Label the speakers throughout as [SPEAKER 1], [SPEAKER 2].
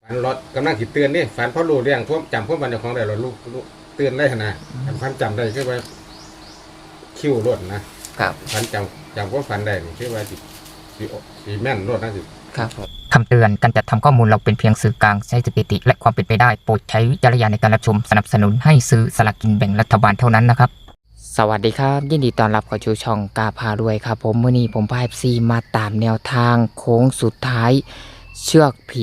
[SPEAKER 1] ฝันรถกำลังคิดเตือนนี่ฝันเพราะรู้เรื่องพวกจำพวกมันของได้รถลูกเตือนได้ขนาดฝันจำได้คือว่าคิ้วรถนะครับฝันจำพวกฝันได้นี่คือว่าสิแม่นรถนะสิ
[SPEAKER 2] ครับคำเตือนการจัดทำข้อมูลเราเป็นเพียงสื่อกลางใช้สถิติและความเป็นไปได้โปรดใช้วิจารณญาณในการรับชมสนับสนุนให้ซื้อสลากกินแบ่งรัฐบาลเท่านั้นนะครับสวัสดีครับยินดีต้อนรับเข้าสู่ช่องกาพารวยครับผมมื้อนี้ผมพา FC มาตามแนวทางโค้งสุดท้ายเชือกผี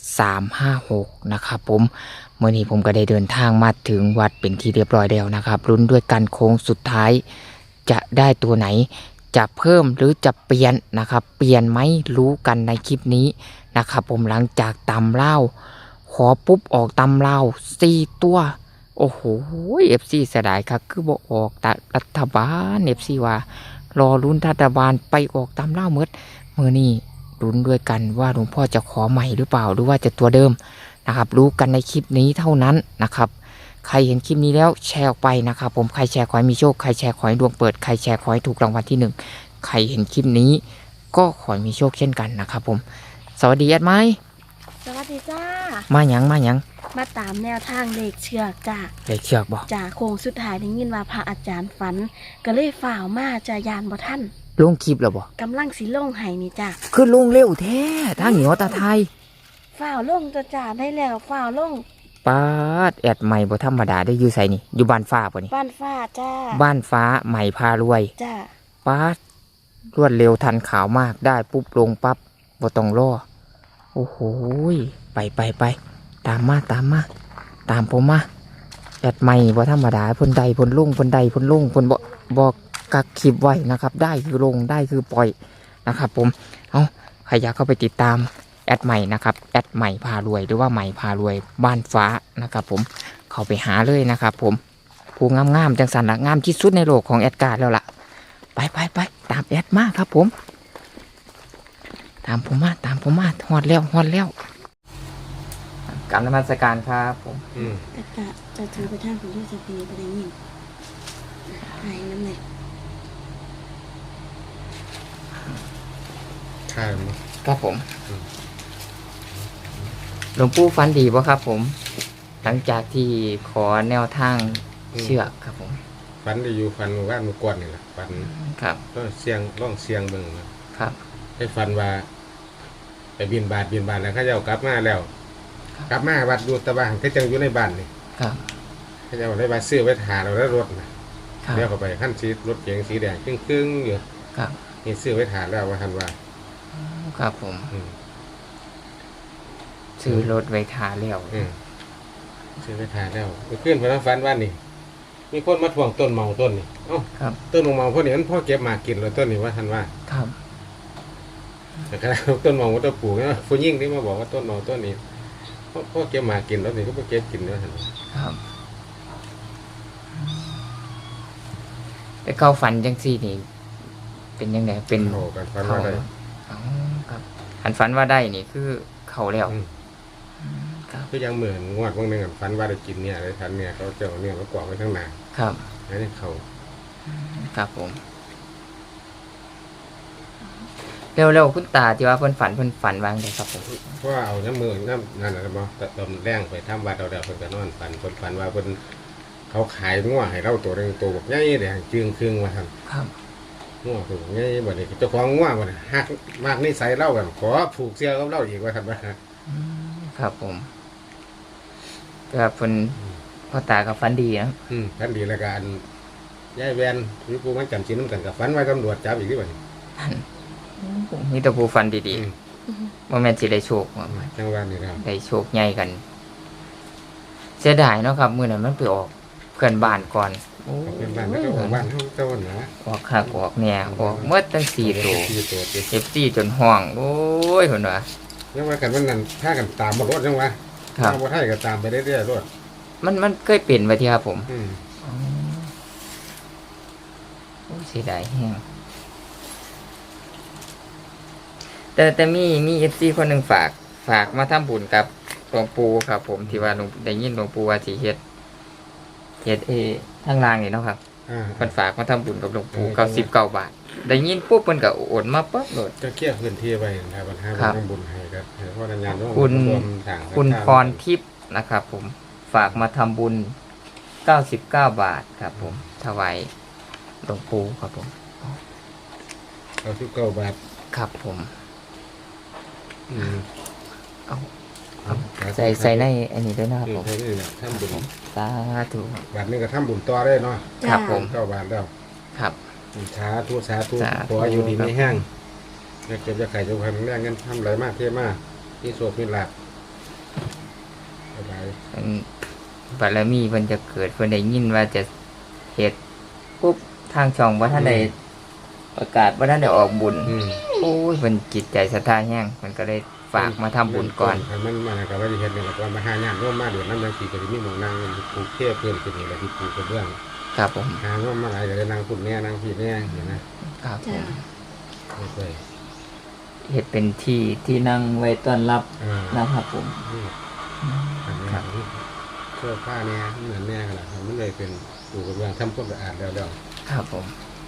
[SPEAKER 2] 356นะครับผมมื้อนี้ผมก็ได้เดินทางมาถึงวัดเป็นที่เรียบร้อยแล้วนะครับลุ้นด้วยกันโค้งสุดท้ายจะได้ตัวไหนจะเพิ่มหรือจะเปลี่ยนนะครับเปลี่ยนไหมรู้กันในคลิปนี้นะครับผมหลังจากตำเล่าขอปุ๊บออกตำเล่า4ตัวโอ้โหFC เสียดายครับคือบอกออกแต่รัฐบาล FC ว่ารอลุ้นรัฐบาลไปออกตำเล่าเมื่อนี้ลุ้นด้วยกันว่าหลวงพ่อจะขอใหม่หรือเปล่าหรือว่าจะตัวเดิมนะครับรู้กันในคลิปนี้เท่านั้นนะครับใครเห็นคลิปนี้แล้วแชร์ออกไปนะครับผมใครแชร์ขอให้มีโชคใครแชร์ขอให้ดวงเปิดใครแชร์ขอให้ถูกรางวัลที่1ใครเห็นคลิปนี้ก็ขอให้มีโชคเช่นกันนะครับผมสวัสดีแอดไม้
[SPEAKER 3] สวัสดีจ้า
[SPEAKER 2] มาหยัง
[SPEAKER 3] มาตามแนวทางเลขเชือกจ้า
[SPEAKER 2] เลขเชือกบอก
[SPEAKER 3] จากโค้งสุดท้ายได้ยินว่าพระอาจารย์ฝัน ก็เลยฝ่าวมาจะยานบ่ท่าน
[SPEAKER 2] ลงคลิปแล้วบอก
[SPEAKER 3] กำลังสิลงไห้นี่จ้า
[SPEAKER 2] คือลงเร็วแท้ทางเหนียวตาไทย
[SPEAKER 3] ฝ่าวลงตัวจ้าได้แล้วฝ่าวลง
[SPEAKER 2] ปาดแอดใหม่บ่ธรรมดาได้อยู่ใส่นี่อยู่บ้านฟ้าป่ะนี่
[SPEAKER 3] บ้านฟ้าจ้า
[SPEAKER 2] บ้านฟ้าใหม่พารวย
[SPEAKER 3] จ้า
[SPEAKER 2] ปาดรวดเร็วทันข่าวมากได้ปุ๊บลงปั๊บบ่ต้องรอโอ้โหไปตามมาตามผมมาแอดใหม่บ่ธรรมดาเพิ่นใดเพิ่นลงเพิ่นบอกกักคลิปไว้นะครับได้คือลงได้คือปล่อยนะครับผมเอาใครอยากเข้าไปติดตามแอดใหม่นะครับแอดใหม่พารวยหรือว่าใหม่พารวยบ้านฟ้านะครับผมเข้าไปหาเลยนะครับผมผู้งามๆจังสันละงามที่สุดในโลกของแอดการ์แล้วล่ะไปตามแอดมาครับผมตามผมมาฮอดแล้วกราบนมัสการครับผม
[SPEAKER 3] แต่กะจะถือไปทางของที่สปีไปได้ยินหายน้ำเลย
[SPEAKER 1] ใช่มั้ย
[SPEAKER 2] ครับผมหลวงปู่ฟันดีป่ะครับผมหลังจากที่ขอแนวทางเชือกครับผม
[SPEAKER 1] ฝันได้อยู่ฝันว่ามือกวนนี่แหละฝัน
[SPEAKER 2] ครับ
[SPEAKER 1] ต้องเสียงเบิ่งนะครับ ให้ฝันว่าไปบินบาทแล้วเขาเจ้ากลับมาแล้ว กลับมาวัดอยู่ตะบ้านก็จังอยู่ในบ้านนี่
[SPEAKER 2] ครับ
[SPEAKER 1] เขาเจ้าได้มาซื้อไว้ถ่าเราแล้วรถนะครับ เดี๋ยวเข้าไปขั้นสีรถเก๋งสีแดงครึ่งอยู่
[SPEAKER 2] ครับ
[SPEAKER 1] นี่ซื้อไว้ถ่าแล้วว่าทันว่า
[SPEAKER 2] ครับผม ซื้อรถไว้ทาแล้ว
[SPEAKER 1] ซื้อไว้ถ่าแล้วเมื่อคืนพนักฝันว่านี่มีคนมาทวงต้นเมาต้นนี่เอ้า
[SPEAKER 2] ครับ
[SPEAKER 1] ต้นเมาพวกนี้มันพ่อเก็บมากินเลยต้นนี้ว่าทันว่า
[SPEAKER 2] ครับ
[SPEAKER 1] แต่ขณะต้นเมาต้นปลูกเนี่ยผู้ยิ่งที่มาบอกว่าต้นเมาต้นนี้พ่อเก็บมากินแล้วนี่ก็พ่อเก็บกินแล้วทัน
[SPEAKER 2] ครับไปเข้าฝันจังซี่นี่เป็นยังไงเป็น
[SPEAKER 1] โอ้กันฝันว่าได้
[SPEAKER 2] อ๋อครับหันฝันว่าได้นี่คือเขาแล้วครับ
[SPEAKER 1] ก็ยังเหมือนงวดบางหนึ่งฝันว่าได้กินเนี่ยอะไรทันเนี่ยเขาเจ้าเนี่ยมากวาดไว้ข้างหน้า
[SPEAKER 2] ครับ
[SPEAKER 1] แล้วนี่เขา
[SPEAKER 2] ครับผมเร็วๆคุณตาที่ว่าเพิ่นฝันวางเลยครับผม
[SPEAKER 1] เพราะว่าเอาน้ำมือน้ำนั่นอะไรบ้างตำแรงไปทำวัดเอาเดี๋ยวเพิ่นก็นอนฝันว่าเพิ่นเขาขายงัวให้เราตัวหนึงตัวแบบใหญ่แดงจึงครึ่งมาทำ
[SPEAKER 2] ครับ
[SPEAKER 1] งัวตัวใหญ่บ่ได้เจ้าของงัวบ่ได้ฮักมากนิสัยเล่าแบบขอผูกเสียกับเราอีกว่าทำว่า
[SPEAKER 2] ครับผมก็เพิ่นพ่อตากับฝันดีนะ
[SPEAKER 1] ท่านดีแล้วกันยายแวนวิปูมันจำชิ้นน้ำกันกับฝันไว้ตำรวจจับอีกที่บ่นี่
[SPEAKER 2] มีแต่ผู้ฝันดีๆบ่แม่นสิได้โชคว่า
[SPEAKER 1] จังหวัดนี่ครับ
[SPEAKER 2] ได้โชคใหญ่กัน เสียดายเนาะครับมื้อนั้นมันไปออกเพื่อนบ้านก่อนโอ้
[SPEAKER 1] เป็นบ้านก็ของบ้านเขาเจ้าหนา
[SPEAKER 2] ออกคักออกแหน่ออกเมื่อตั้ง4ตัว
[SPEAKER 1] ที่ตัวที่
[SPEAKER 2] FC จนห้องโอ้ยเพิ่นว่า
[SPEAKER 1] ยังว่ากันวันนั้นถ้ากันตามมารถจังวะ
[SPEAKER 2] ครับ
[SPEAKER 1] ถ้าบ่ให้ก็ตามไปเรื่อยๆรถ
[SPEAKER 2] มันเคยเป็นไว้ที่ครับผม
[SPEAKER 1] อืม
[SPEAKER 2] อ๋อโอ้เสียดายแฮงแต่มีเอฟซีคนหนึ่งฝากมาทำบุญกับหลวงปู่ครับผมที่ว่าหลวงได้ยินหลวงปู่ว่าสิเฮ็ดทางล่างนี่เนาะครับเพิ่นฝากมาทำบุญกับหลวงปู่99 บาทได้ยินปุ๊บเพิ่นก็โอนมาปั๊บโหลด
[SPEAKER 1] ก็เคลียร์พื้นที่ไว้นะครับปัญหา
[SPEAKER 2] ครับ
[SPEAKER 1] ทำบุญให้ครับเพราะงานร่วม
[SPEAKER 2] คุณ
[SPEAKER 1] รวมทาง
[SPEAKER 2] คุณพรทิพย์นะครับผมฝากมาทำบุญ99 บาทครับผมถวายหลวงปู่ครับผม
[SPEAKER 1] เอา19 บาท
[SPEAKER 2] ครับผม
[SPEAKER 1] อืม
[SPEAKER 2] เอา
[SPEAKER 1] เอา
[SPEAKER 2] ใส่ในอันนี้ด้วยนะครับผม
[SPEAKER 1] ใส่นี่แหละทำบุญ
[SPEAKER 2] สาธุ
[SPEAKER 1] บาทนึงก็ทำบุญต่อได้เนาะ
[SPEAKER 2] ครับผม
[SPEAKER 1] 9 บาทแล้ว
[SPEAKER 2] ครับ
[SPEAKER 1] สาธุสาธุ
[SPEAKER 2] สาธุ
[SPEAKER 1] ขออยู่ดีไม่แห้งอยากเก็บอยากไข่จะพันแรงเงินทำไรมากเท่มากที่โสดมีหลักสบาย
[SPEAKER 2] อันบารมีเพิ่นจะเกิดเพิ่นได้ยินว่าจะเฮ็ดปุ๊บทางช่องว่าท่านได้ประกาศว่าท่านได้ออกบุญ โอ้ยเพิ่นจิตใจศรัทธาแห้งมันก็เลยฝากมาทำบุญก่อน
[SPEAKER 1] มันมากับว่าที่เห็นเนี่ยก่อนมาหางานร่วมมาเดือนน้ำยังสี่ก็จะมีหมองนางปลูกเทพเพื่อนเป็นนี่แหละที่ปลูกกระเบื้อง
[SPEAKER 2] ครับผม
[SPEAKER 1] หาร่วมมาหลายก็เลยนางปุ่นเนี่ยนางผีเนี่ยเห็นนะครับ
[SPEAKER 2] ผ
[SPEAKER 3] จ้าม
[SPEAKER 1] ไม่เคย
[SPEAKER 2] เฮ็ดเป็นที่นั่งไว้ต้อนรับ
[SPEAKER 1] อ่า
[SPEAKER 2] นะครับผม
[SPEAKER 1] อันนี้
[SPEAKER 2] ครับ
[SPEAKER 1] เสื้อผ้าเนี่ยเหมือนแน่กันแหละมันเลยเป็นปลูกกระเบื้องทำความสะอาดแล้ว
[SPEAKER 2] ครับผม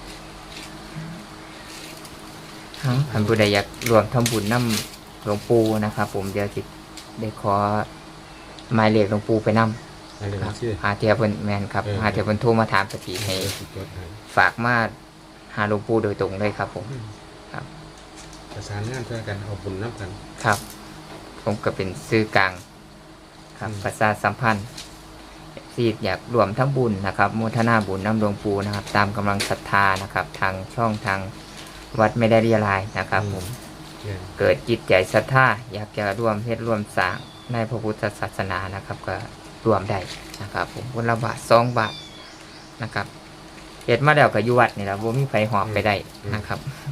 [SPEAKER 2] ท่านผู้ใดอยากรวมทำบุญนำหลวงปู่นะครับผมเดี๋ยวสิได้ขอหมายเลขหลวงปู่ไปนำ
[SPEAKER 1] อะไร
[SPEAKER 2] ครับ
[SPEAKER 1] ชื่อ
[SPEAKER 2] หาเทียเพิ่นแม่นครับหาเทียเพิ่นโทรมาถามสติให้
[SPEAKER 1] จดให้
[SPEAKER 2] ฝากมาหาหลวงปู่โดยตรงเลยครับผม
[SPEAKER 1] ประสานงานช่วยกันเอาบุญน้ำกัน
[SPEAKER 2] ครับ ผมก็เป็นสื่อกลางครับประชาสัมพันธ์ที่อยากรวมทั้งบุญนะครับโมทนาบุญน้ำหลวงปู่นะครับ ตามกำลังศรัทธานะครับ ทางช่องทางวัดไม่ได้เรียลายนะครับผม
[SPEAKER 1] เนี่ย
[SPEAKER 2] เกิดจิตใจศรัทธาอยากจะร่วมเฮ็ดร่วมสร้างในพระพุทธศาสนานะครับ ก็รวมได้นะครับ ผมคนละบาท2 บาทนะครับเฮ็ดมาแล้วก็อยู่วัดนี่แหละบ่มีไผหอบไปได้นะครับ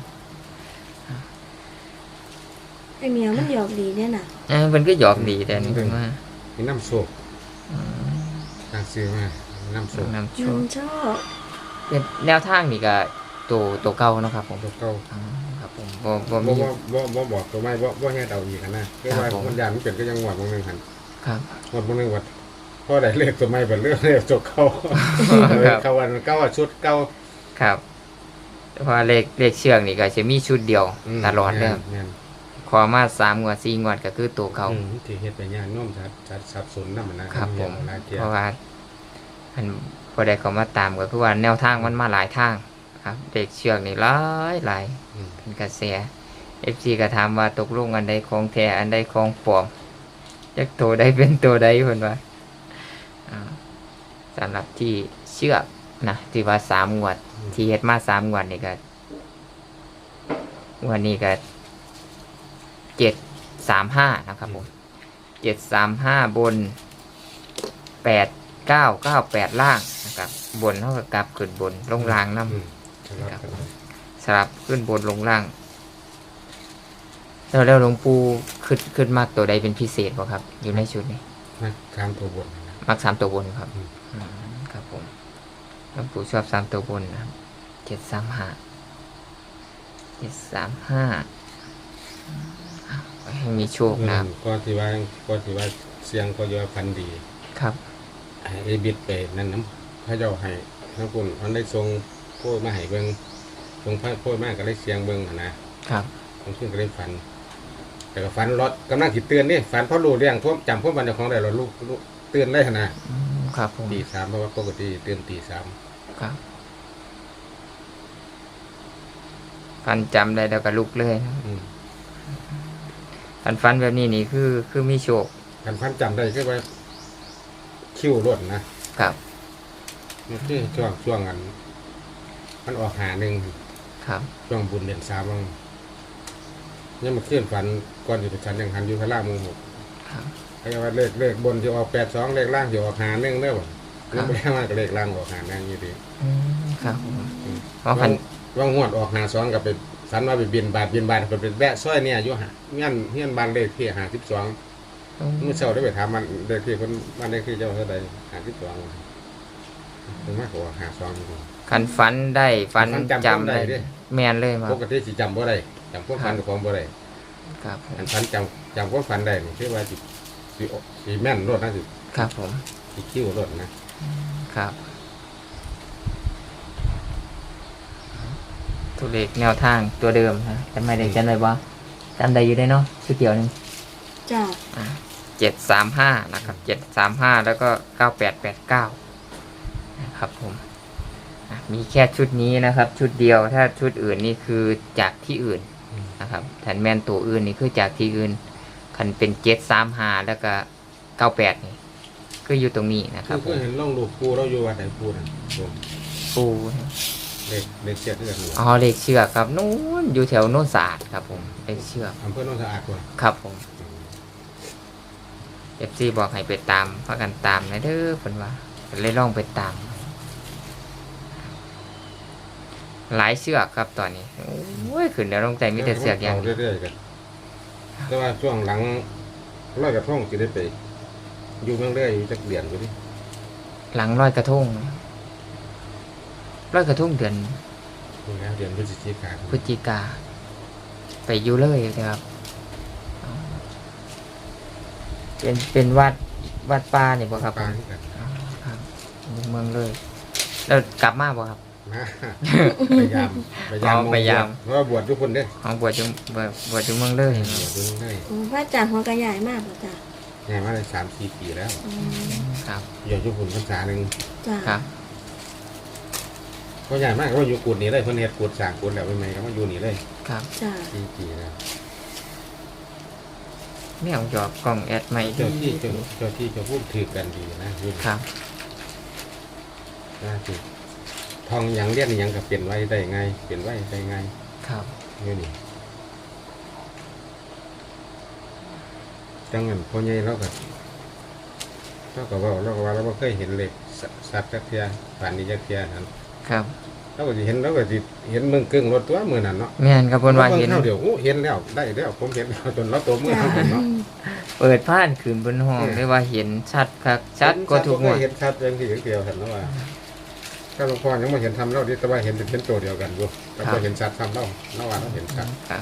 [SPEAKER 3] ไอเมียมันหยอกดีเนี่ยน่ะ
[SPEAKER 2] เพิ่นก็หยอกดีแต่นี่เพิ่นว่า
[SPEAKER 1] มีน้ำโศกทางซื้อมาน้ำโศก
[SPEAKER 2] นำโช
[SPEAKER 3] น้อ
[SPEAKER 2] ค
[SPEAKER 3] งชอบ
[SPEAKER 2] เป็นแนวทางนี่ก็ตัวเก่าเนาะครับผม
[SPEAKER 1] ตัวเก่า
[SPEAKER 2] ครับผมบ่
[SPEAKER 1] บ่
[SPEAKER 2] มี
[SPEAKER 1] บอกตัวไม่บ่แง่เดาอีกนะคือว่าคนยานมันเป็นก็ยังหวดบางนึงหัน
[SPEAKER 2] ครับ
[SPEAKER 1] หวดบางนึงวัดพอได้เลขตัวไม่เป็นเรื่องเลขตัวเก่า
[SPEAKER 2] ครับ
[SPEAKER 1] เขาวันเก่าชุดเก่า
[SPEAKER 2] ครับเพราะเลขเชือกนี่ก็จะมีชุดเดียวตลอดเลยครับ
[SPEAKER 1] แม่น
[SPEAKER 2] ขอมา3 งวด 4 งวดก็คือตัวเก่า
[SPEAKER 1] ที่เฮ็ดไปย่านโน้มชัดสับสนนำนะครับ
[SPEAKER 2] ผม
[SPEAKER 1] หลายเที่ย
[SPEAKER 2] เพราะว่าอันพอได้เขามาตามก็คือว่าแนวทางมันมาหลายทางครับเด็กเชือกนี่หลาย
[SPEAKER 1] อืม
[SPEAKER 2] เป็นกระแส FC ก็ถามว่าตกลงอันใดของแท้อันใดของปลอมจักตัวใดเป็นตัวใดเพิ่นว่าสำหรับที่เชือกนะที่ว่า3 งวด ที่เฮ็ดมา3 งวดนี่ก็วันนี้ก็735นะครับผม735บน8998ล่างนะครับบนเท่ากับกลับขึ้นบนลงล่างนำ
[SPEAKER 1] อืมสลับกัน
[SPEAKER 2] สลับขึ้นบนลงล่างแล้วหลวงปู่ขึ้นมากตัวใดเป็นพิเศษบ่ครับ อยู่ในชุดนี้
[SPEAKER 1] นะตามตัวบทนะ
[SPEAKER 2] มัก3 ตัวบนครับ
[SPEAKER 1] อืม
[SPEAKER 2] ครับผมหลวงปู่ชอบ3 ตัวบนนะครับ735ให้มีโชคนะครับ
[SPEAKER 1] ก็ที่ว่าเสียงก็ยอพันดี
[SPEAKER 2] ครับ
[SPEAKER 1] ให้ไอ้บิดไปนั่นน้ำพระเจ้าให้ทั้งคุณมันได้ทรงโพดมาให้เบิ่งทรงพระโพดมากก็ได้เสียงเบิ่งหั่นนะครับ ผมขึ้นก็ได้ฝัน แต่ก็ฝันรถกำลังสิเตือนนี่ฝันเพราะรู้เรื่องท่วมจำพวกวันเจ้าของได้เราลูกเตือนได้หั่นนะครับ
[SPEAKER 2] ผม
[SPEAKER 1] ตี 3เพราะว่าปกติเตือนตี 3
[SPEAKER 2] ครับฟันจำได้แล้วก็ลุกเลยนะครับ
[SPEAKER 1] อืม
[SPEAKER 2] ฟันแบบนี้นี่คือมีโชค
[SPEAKER 1] กันฝันจำได้คือว่าคิ้วรถนะครับ มันคือช่วงอันมันออกหาหนึ่ง
[SPEAKER 2] ครับ
[SPEAKER 1] ช่วงบุญเดือน3บ้างเนี่ยมันเคลื่อนฝันก่อนอยู่ที่ชั้นยังหันอยู่พระราชมงหก
[SPEAKER 2] ครับ
[SPEAKER 1] เขาจะว่าเลขบนที่ออก82เลขล่างที่ออกหา1เด้อบ่
[SPEAKER 2] ครับ
[SPEAKER 1] ไม่ได้มากเลขล่างออกหา1อยู่ดี
[SPEAKER 2] ครับเพราะพัน
[SPEAKER 1] ว่างวดออกหา2กับไปฝันว่าไปบินบาทก็เป็นแวะซอยเนี่ยอยู่หาเงี้ยบ้านเลขที่52เมื่อเช้าได้ไปถามมันเลขที่เพิ่นบ้านเลขที่เจ้าเท่าใด52ถึงมากกว่าหา2อยู่
[SPEAKER 2] ขันฟันได้ฟัน
[SPEAKER 1] ฟันจำ
[SPEAKER 2] จำได้
[SPEAKER 1] ได้เด้
[SPEAKER 2] แมนเลยมา
[SPEAKER 1] ปกติสิจำบ่ได้จำพวกฝันของบ่ได้
[SPEAKER 2] ครับผม
[SPEAKER 1] อันฝันจำพวกฝันได้นี่คือว่าสิแม่นรถนะสิ
[SPEAKER 2] ครับผม
[SPEAKER 1] คิ้วรถนะครับ
[SPEAKER 2] ตัวเลขแนวทางตัวเดิมนะจำไม่ได้จำได้บ่จำได้อยู่ได้เนาะชุดเดียวหนึง
[SPEAKER 3] จ้า
[SPEAKER 2] 735นะครับ735แล้วก็9889นะครับผมมีแค่ชุดนี้นะครับ ชุดเดียวถ้าชุดอื่นนี่คือจากที่อื่นนะครับแทนแมนตัวอื่นนี่คือจากที่อื่นคันเป็น735แล้วก็98นี่ก็อยู่ตรงนี้นะครับผ
[SPEAKER 1] คือ
[SPEAKER 2] ม
[SPEAKER 1] เห็นล่องลูกปูเราอยู่วัดไหนปูนั่นผม
[SPEAKER 2] ปู
[SPEAKER 1] เล็กเสียเอื้อนหลวง
[SPEAKER 2] อ๋อเลขเชือกครับนู้นอยู่แถวโน้นสะอาดครับผมเลขเชือก
[SPEAKER 1] อำเภอโนนสะอาดกว่า
[SPEAKER 2] ครับผมFC บอกให้ไปตามพากันตามนะเด้อเพิ่นว่าเพิ่นเลยลองไปตาม หลายเชือกครับตอนนี้โอ้ยขึ้นแล้วลงใจมีแต่เสือกอย่างเดียว
[SPEAKER 1] เรื่อยๆกันแต่ว่าช่วงหลังร้อยกระทงจะได้ไปอยู่เมืองเรื่อยอยู่จักเดือนอยู่ดิ
[SPEAKER 2] หลังร้อยกระทงร้อยกระทงเดือน
[SPEAKER 1] นี่นะเดือนพฤศจิกายน
[SPEAKER 2] พฤศจิกาไปอยู่เลยนะครับเป็นวัดป่านี่บ่ครับ
[SPEAKER 1] ปลาที่กัน
[SPEAKER 2] อ๋อครับอยู่เมืองเลยแล้วกลับมาบ่ครับ
[SPEAKER 1] นะพยายาม
[SPEAKER 2] อ๋อพยายาม
[SPEAKER 1] เพราะว่าบวชทุกคนเด้
[SPEAKER 2] ของบวชอยู่เมืองเลย
[SPEAKER 1] บวชทุกคนได้
[SPEAKER 3] พระอาจารย์หัวกระใหญ่มากเลยจ้า
[SPEAKER 1] งานมาได้3-4 ปีแล้ว
[SPEAKER 2] ครับ
[SPEAKER 1] อยู่ทุกคนพรรษาหนึ่ง
[SPEAKER 3] จ้า
[SPEAKER 2] ครับ
[SPEAKER 1] ก็ใหญ่มากก็อยู่กุดนี่เลยเพิ่นเฮ็ดกุดสร้างกุดแล้วใหม่ๆก็มาอยู่นี่เลย
[SPEAKER 2] ครับ
[SPEAKER 3] จ้า
[SPEAKER 1] 4 ปีแล้ว
[SPEAKER 2] ไม่เอาหยอกกล้องแอดใหม่
[SPEAKER 1] เจ้าที่เจ้าพูดถือกันดีนะอยู่
[SPEAKER 2] ครับ
[SPEAKER 1] น่าถือทองหยังเรียนหยังก็เปลี่ยนไว้ได้ไงเปลี่ยนไว้ได้ไง
[SPEAKER 2] ครับ
[SPEAKER 1] อยู่นี่จังงั้นพ่อใหญ่เราก็ว่าเราบ่เคยเห็นเหล็กสัตว์จักเทียป่านนี้จักเทียนั่น
[SPEAKER 2] ครับ
[SPEAKER 1] เราก็สิเห็นเมืองกึ่งรถตัวมื้อนั้นเนาะ
[SPEAKER 2] แม่นครับเพิ่นว่าเห็น
[SPEAKER 1] เดี๋ยวเห็นแล้วได้แล้วผมเห็นแล้วจนเราตัวมือเฮาเนาะ
[SPEAKER 2] เปิดผ่านคืนบนห้องได้ว่าเห็นชัดครับชัดก็ทุกหมด
[SPEAKER 1] เห็นชัดจังที่เดียวกันแล้วว่าถ้าหลวงพ่อยังบ่เห็นทำเราดิแต่ว่าเห็นเป็นตัวเดียวกันอยู่แต่บ่เห็นชัดทำเราว่าเราเห็นชัด
[SPEAKER 2] ครับ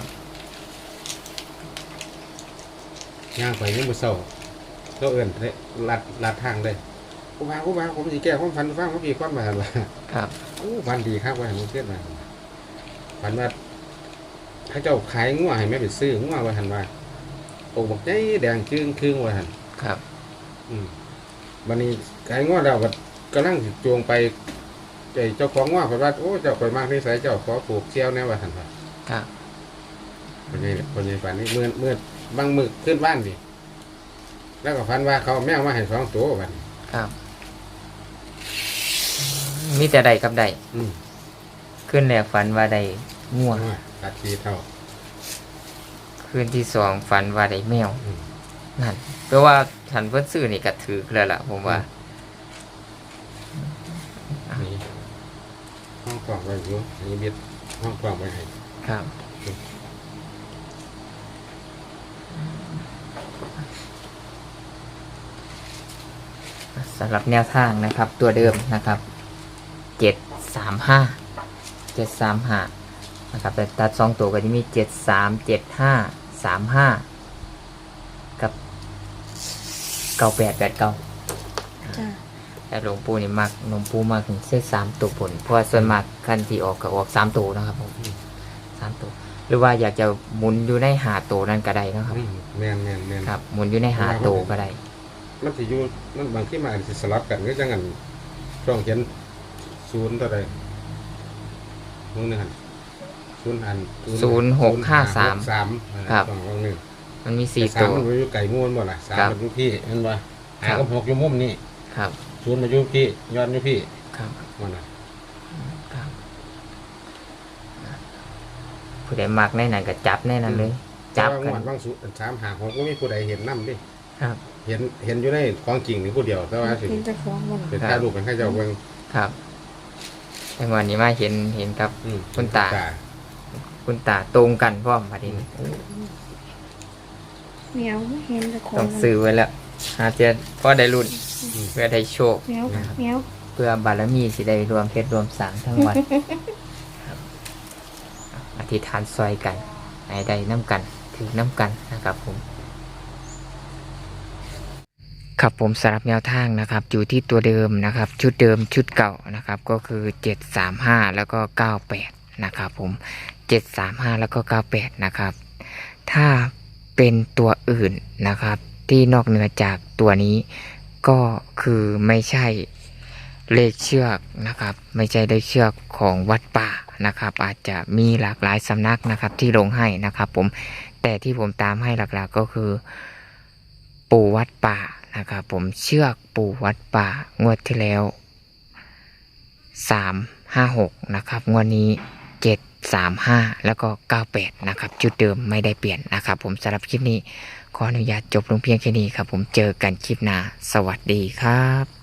[SPEAKER 1] ย่างไปยังบ่เศร้าก็เอื้อนลัดทางเลยครูบาผมสิแก้ความฝันฟังว่าพี่ความมาว่า
[SPEAKER 2] ครับ
[SPEAKER 1] โอ้ฝันดีครับว่าให้มันเกิดมาฝันว่าถ้าเจ้าขายงัวให้แม่ไปซื้องัวว่าหั่นว่าโอ้บอกใจแดงจึ้งครึ่งว่าหั่น
[SPEAKER 2] ครับ
[SPEAKER 1] วันนี้ขายงัวแล้วก็กำลังสิจวงไปเจ้าของงัวเพิ่นว่าโอ้เจ้าข่อยมากนิสัยเจ้าขอปลูกเชี่ยวแน่ว่าหั่นว่า
[SPEAKER 2] ครับ
[SPEAKER 1] คนใหญ่ฝันนี้เมื่อบางมื้อขึ้นบ้านดิแล้วก็ฝันว่าเขาเอาแมวมาให้2ตัวบัดนี้
[SPEAKER 2] ครับ มีแต่ใดกับใด
[SPEAKER 1] อืม
[SPEAKER 2] ขึ้นแรกฝันว่าใดง่วง
[SPEAKER 1] ตัดทีเท่า
[SPEAKER 2] คืนที่สองฝันว่าใดแมว
[SPEAKER 1] อืม
[SPEAKER 2] นั่นเพราะว่าฉันเพิ่นซื้อนี่ก็ถือแล้วล่ะผมว่า
[SPEAKER 1] นี่ห้องกล่องไว้อยู่อันนี้เบ็ดห้องกล่องไว้ให้
[SPEAKER 2] ครับสำหรับแนวทางนะครับ ตัวเดิมนะครับ735นะครับแต่ตัด2ตัวก็จะมี737535กับ9889
[SPEAKER 3] จ้า
[SPEAKER 2] แต่หลวงปู่นี่มักหลวงปู่มากถึงเส้น3ตัวผลเพราะว่าส่วนมากคันที่ออกก็ออก3ตัวนะครับผม3ตัวหรือว่าอยากจะหมุนอยู่ในหาตัวนั้นก็ได้นะครับ
[SPEAKER 1] แม่น
[SPEAKER 2] ครับหมุนอยู่ในหาตัวก็ได้
[SPEAKER 1] มันสิอยู่มันบางที่มาอาจสิสลับกันก็จังงั้นช่องเขียน0เท่าใดวงหนึงหั่น0อัน
[SPEAKER 2] 0653 ครับ
[SPEAKER 1] ช่องวงหนึง
[SPEAKER 2] มันมี
[SPEAKER 1] แต่
[SPEAKER 2] 4 ตัว
[SPEAKER 1] มันอยู่ไก่งูนบ่ล่ะ3
[SPEAKER 2] ครับ
[SPEAKER 1] มันอยู่พี่เห็นบ่
[SPEAKER 2] ครั
[SPEAKER 1] 5
[SPEAKER 2] บ
[SPEAKER 1] กับ6อยู่มุมนี้
[SPEAKER 2] ครับ
[SPEAKER 1] 0มาอยู่พี่ย้อนอยู่พี่
[SPEAKER 2] ครับ
[SPEAKER 1] ว่าน่ะ
[SPEAKER 2] ครับผู้ใดมักในนั้นก็จับในนั้นเลย จับ
[SPEAKER 1] แต่
[SPEAKER 2] กั
[SPEAKER 1] ว่าน งวดบาง3 5 6ก็มีผู้ใดเห็นนำดิ
[SPEAKER 2] ครับ
[SPEAKER 1] เห็นอยู่ในของจริงนี่ผู้เดียวแต่ว่าสิ
[SPEAKER 3] เป็นเจ้าของบ่ล่ะ
[SPEAKER 1] เป็นถ่ายรูปกันให้เจ้าเบิ่ง
[SPEAKER 2] ครับแต่วันนี้มาเห็นกับ
[SPEAKER 1] อืม
[SPEAKER 2] คุณตา คุณตาตรงกันพร้อมพอดี
[SPEAKER 3] แมวไม่เห็นเจ้าของ
[SPEAKER 2] ต้องซื้อไว้แล้วหาเจะพอได้รุ่น เพื่อได้โชค
[SPEAKER 3] แมวแมว
[SPEAKER 2] เพื่อบารมีสิได้รวมเพชรรวมสางทั้งวันครับอธิษฐานซอยกันให้ได้น้ำกันถือน้ำกันนะครับผม ครับผมสำหรับแนวทางนะครับ อยู่ที่ตัวเดิมนะครับ ชุดเดิมชุดเก่านะครับ ก็คือ735แล้วก็98 นะครับผม735แล้วก็98นะครับถ้าเป็นตัวอื่นนะครับที่นอกเหนือจากตัวนี้ก็คือไม่ใช่เลขเชือกนะครับไม่ใช่เลขเชือกของวัดป่านะครับอาจจะมีหลากหลายสำนักนะครับที่ลงให้นะครับผมแต่ที่ผมตามให้หลักๆก็คือปู่วัดป่านะครับผมเชือกปู่วัดป่างวดที่แล้ว356นะครับงวดนี้735แล้วก็98นะครับจุดเดิมไม่ได้เปลี่ยนนะครับผมสำหรับคลิปนี้ขออนุญาตจบลงเพียงแค่นี้ครับผมเจอกันคลิปหน้าสวัสดีครับ